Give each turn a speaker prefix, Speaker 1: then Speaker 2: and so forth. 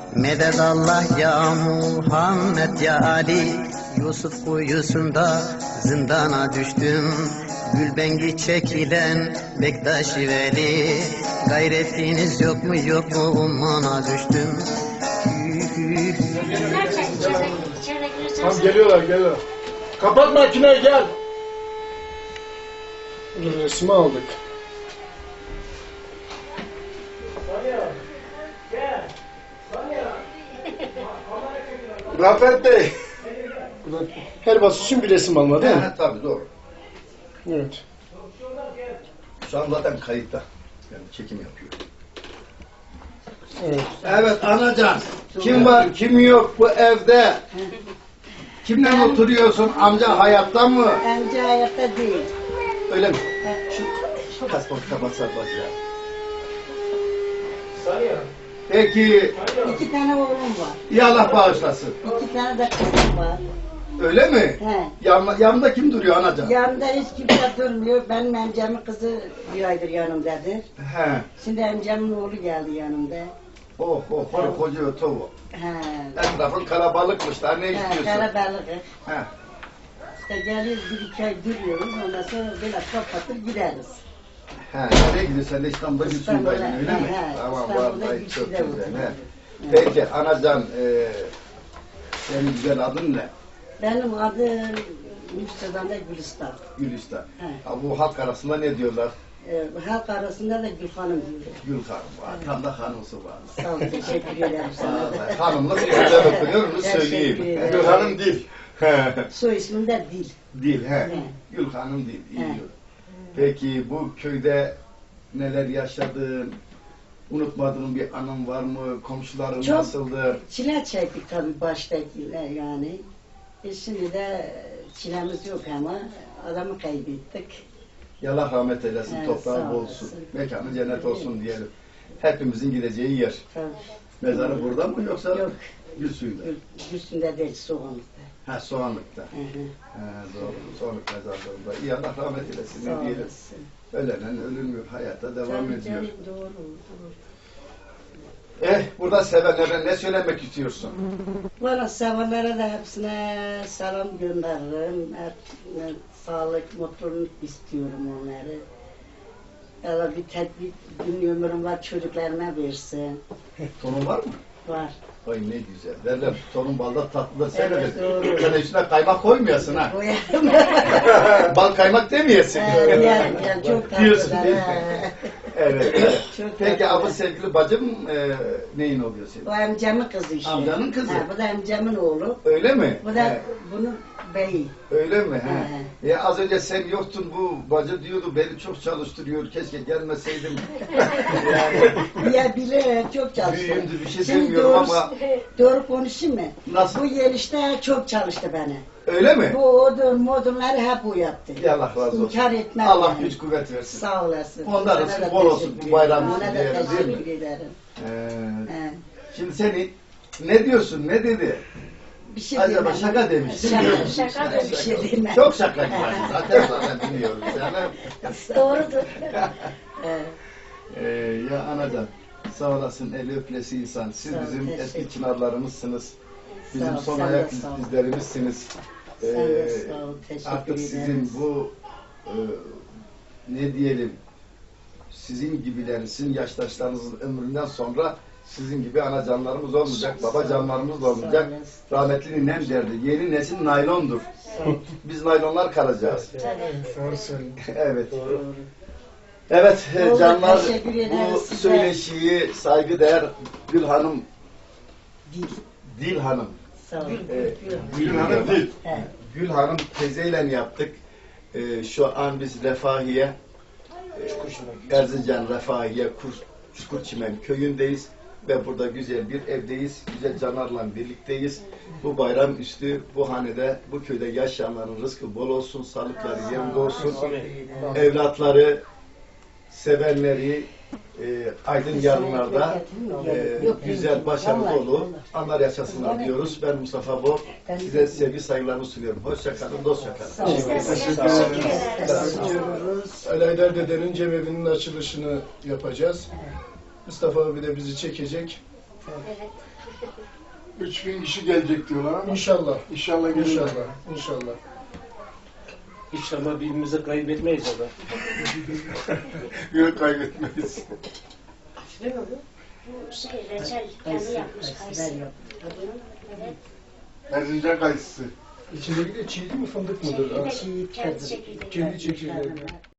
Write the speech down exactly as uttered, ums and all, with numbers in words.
Speaker 1: Medet Allah ya Muhammed ya Ali, Yusuf kuyusunda zindana düştüm. Gülbengi çekilen Bektaşi Veli, gayretiniz yok mu yok mu ummana düştüm.
Speaker 2: Tamam geliyorlar geliyorlar. Kapat makineyi gel. Dur resmi aldık.
Speaker 3: Rafet Bey.
Speaker 2: Her basış için bir resim alma değil mi?
Speaker 3: Evet tabii doğru.
Speaker 2: Evet.
Speaker 3: Şu an zaten kayıtta. Yani çekim yapıyor.
Speaker 2: Evet.
Speaker 3: Evet anacan. Kim var kim yok bu evde? Kimle oturuyorsun? Amca hayatta mı?
Speaker 4: Amca hayatta değil.
Speaker 3: Öyle mi? Şu kasponu kapatsak bak ya. Peki.
Speaker 4: İki tane oğlum var.
Speaker 3: İyi Allah bağışlasın.
Speaker 4: İki tane de kızım var.
Speaker 3: Öyle mi?
Speaker 4: He.
Speaker 3: Yan, yanında kim duruyor anacan?
Speaker 4: Yanımda hiç kimse durmuyor. Benim amcamın kızı bir aydır yanımdadır.
Speaker 3: He.
Speaker 4: Şimdi amcamın oğlu geldi yanımda.
Speaker 3: Oh oh koru koca otovu.
Speaker 4: He.
Speaker 3: Etrafın kalabalıkmış daha ne
Speaker 4: He,
Speaker 3: istiyorsun?
Speaker 4: karabalık.
Speaker 3: He.
Speaker 4: İşte geliyoruz bir iki ay duruyoruz. Ondan sonra böyle kapatır gideriz.
Speaker 3: He, nereye gidiyorsun? Sen de İstanbul'da
Speaker 4: İstanbul'a,
Speaker 3: Gülsün'daydın öyle mi?
Speaker 4: he,
Speaker 3: Tamam,
Speaker 4: İstanbul'da
Speaker 3: vallahi çok
Speaker 4: Gülsün'de
Speaker 3: güzel.
Speaker 4: oturdum.
Speaker 3: He.
Speaker 4: Evet.
Speaker 3: Peki, anacan, e, senin güzel adın ne?
Speaker 4: Benim adım Mustafa'da Gülistan.
Speaker 3: Gülistan.
Speaker 4: He.
Speaker 3: Ha, bu halk arasında ne diyorlar?
Speaker 4: Ee, halk arasında da Gülhanım diyor.
Speaker 3: Gül Hanım var, tam da hanımsı var.
Speaker 4: Sağ ol, teşekkür ederim sana da.
Speaker 3: Vallahi hanımla güzel okunuyor, onu
Speaker 4: Teşekkür
Speaker 3: söyleyeyim.
Speaker 4: ederim.
Speaker 3: Gül Hanım değil.
Speaker 4: Soy ismim de Dil.
Speaker 3: Değil, he.
Speaker 4: He.
Speaker 3: Gül Hanım değil, iyi
Speaker 4: He.
Speaker 3: diyor. Peki, bu köyde neler yaşadın? Unutmadığın bir anın var mı? Komşuların
Speaker 4: Çok.
Speaker 3: nasıldı?
Speaker 4: Çile çektik tabii baştakiler yani. E şimdi de çilemiz yok ama adamı kaybettik.
Speaker 3: Allah rahmet eylesin,
Speaker 4: Evet,
Speaker 3: toprağı
Speaker 4: sağ
Speaker 3: bol
Speaker 4: olasın.
Speaker 3: olsun. Mekanı cennet olsun diyelim. Hepimizin gideceği yer.
Speaker 4: Tabii.
Speaker 3: Mezarı burada mı yoksa
Speaker 4: Yok.
Speaker 3: Gülsü'nde?
Speaker 4: Üstünde değil, soğanlıkta.
Speaker 3: Ha, Soğanlık'ta.
Speaker 4: Hı hı.
Speaker 3: Ha, doğru. Soğanlık mezarlığında. İyi Allah rahmet eylesin
Speaker 4: Sağ
Speaker 3: ne diyelim.
Speaker 4: olasın.
Speaker 3: Ölenen ölünmüyor, hayata devam
Speaker 4: Tabii
Speaker 3: ediyor.
Speaker 4: canım, doğru, doğru.
Speaker 3: Eh, burada sevenlere ne söylemek istiyorsun?
Speaker 4: Valla sevenlere de hepsine selam gönderirim. Hep, hep sağlık, mutluluk istiyorum onları. Ya bir tedbir, bir ömrüm var, çocuklarıma versin.
Speaker 3: Torun var mı?
Speaker 4: Var.
Speaker 3: Ay ne güzel. Derler torun balda tatlı da sen
Speaker 4: Evet,
Speaker 3: öyle.
Speaker 4: doğru.
Speaker 3: Sen üstüne kaymak koymayasın ha.
Speaker 4: Koyarım.
Speaker 3: Bal kaymak demeyesin.
Speaker 4: He, yerim, yerim, çok tatlı.
Speaker 3: Diyorsun değil mi?
Speaker 4: He.
Speaker 3: Evet. evet.
Speaker 4: Çok
Speaker 3: Peki
Speaker 4: tatlı.
Speaker 3: abi sevgili bacım e, neyin oluyor senin?
Speaker 4: O amcamın kızı işte.
Speaker 3: Amcanın kızı.
Speaker 4: Ha, bu da amcamın oğlu.
Speaker 3: Öyle mi?
Speaker 4: Bu da
Speaker 3: He.
Speaker 4: bunun beyi.
Speaker 3: Öyle mi? He.
Speaker 4: He.
Speaker 3: Ya az önce sen yoktun bu bacı diyordu beni çok çalıştırıyor keşke gelmeseydim. yani
Speaker 4: Ya bile çok çalıştı.
Speaker 3: büyüğümdür bir şey
Speaker 4: Şimdi
Speaker 3: demiyorum
Speaker 4: doğru,
Speaker 3: ama
Speaker 4: doğru konuşayım mı?
Speaker 3: Nasıl?
Speaker 4: Bu gelişte çok çalıştı beni.
Speaker 3: öyle mi?
Speaker 4: Bu odun modunları hep o yaptı.
Speaker 3: Ya Allah razı olsun.
Speaker 4: İnkar etmem
Speaker 3: Allah
Speaker 4: yani.
Speaker 3: güç kuvvet versin.
Speaker 4: Sağ olasın.
Speaker 3: Ondan
Speaker 4: Sana
Speaker 3: olsun,
Speaker 4: da
Speaker 3: bol olsun,
Speaker 4: teşekkür
Speaker 3: bu bayram
Speaker 4: ederim.
Speaker 3: için
Speaker 4: Ona da
Speaker 3: diyelim, değil mi?
Speaker 4: teşekkür ederim.
Speaker 3: Ee,
Speaker 4: He.
Speaker 3: şimdi seni ne diyorsun ne dedi?
Speaker 4: Bir şey
Speaker 3: Acaba
Speaker 4: demem.
Speaker 3: şaka demiş, değil mi?
Speaker 4: Şaka, şaka demiş. Bir şey demem.
Speaker 3: Çok şaka var zaten zaten biliyoruz yani.
Speaker 4: Doğrudur. He.
Speaker 3: Ee, ya anacan sağ olasın eli öpülesi insan. Siz
Speaker 4: Sağ ol,
Speaker 3: bizim
Speaker 4: teşekkür
Speaker 3: eski
Speaker 4: ederim.
Speaker 3: çınarlarımızsınız. Bizim
Speaker 4: Sağ ol,
Speaker 3: son
Speaker 4: sen de
Speaker 3: ayak
Speaker 4: sağ ol.
Speaker 3: iz- izlerimizsiniz.
Speaker 4: Sen de
Speaker 3: Ee,
Speaker 4: sağ ol, teşekkür
Speaker 3: artık sizin
Speaker 4: ederiz.
Speaker 3: bu e, ne diyelim sizin gibilerin, sizin yaştaşlarınızın ömründen sonra sizin gibi anacanlarımız olmayacak,
Speaker 4: Sağ ol.
Speaker 3: babacanlarımız da
Speaker 4: Sağ
Speaker 3: olmayacak.
Speaker 4: olasın.
Speaker 3: Rahmetli ninem derdi. Yeni nesil naylondur. Biz naylonlar kalacağız.
Speaker 2: Doğru söylüyorsun.
Speaker 3: Evet.
Speaker 4: Doğru.
Speaker 3: Evet e,
Speaker 4: Doğru,
Speaker 3: canlar
Speaker 4: teşekkür ederiz
Speaker 3: bu
Speaker 4: size.
Speaker 3: söyleşiyi saygıdeğer Gül Hanım,
Speaker 4: Dil.
Speaker 3: Dil Hanım,
Speaker 4: Sağ ol.
Speaker 3: e,
Speaker 4: Gül.
Speaker 3: Gül Hanım Dil.
Speaker 4: He.
Speaker 3: Gül Hanım teyzeyle yaptık. E, şu an biz Refahiye, e, Erzincan Refahiye Kur, Çukurçimen köyündeyiz ve burada güzel bir evdeyiz. Güzel canlarla birlikteyiz. Bu bayram üstü bu hanede, bu köyde yaşayanların rızkı bol olsun, sağlıkları yerinde olsun. Evlatları, sevenleri, e, aydın yarınlarda e, güzel, başarılı dolu anlar yaşasınlar diyoruz. Ben Mustafa Bor, size sevgi saygılarımı sunuyorum. Hoşça kalın, dostça kalın.
Speaker 2: Ali Aydar dedenin cemevinin açılışını yapacağız. Mustafa abi de bizi çekecek.
Speaker 5: Evet.
Speaker 6: üç bin kişi gelecek diyorlar ama
Speaker 2: İnşallah.
Speaker 6: inşallah gelirler.
Speaker 2: İnşallah. İnşallah.
Speaker 7: İnşallah birbirimizi kaybetmeyiz ama.
Speaker 6: Yok kaybetmeyiz.
Speaker 5: Bu şey reçel kendi
Speaker 4: Kayısı,
Speaker 5: yapmış
Speaker 4: kayısılar
Speaker 5: kayısı.
Speaker 4: yaptı.
Speaker 5: Evet.
Speaker 6: Erzincan kayısısı.
Speaker 2: İçindeki de çiğdi mi fındık mıdır?
Speaker 5: Çekirdek,
Speaker 2: Aksi
Speaker 5: kendi çekirdeği.
Speaker 2: kendi çekirdeği.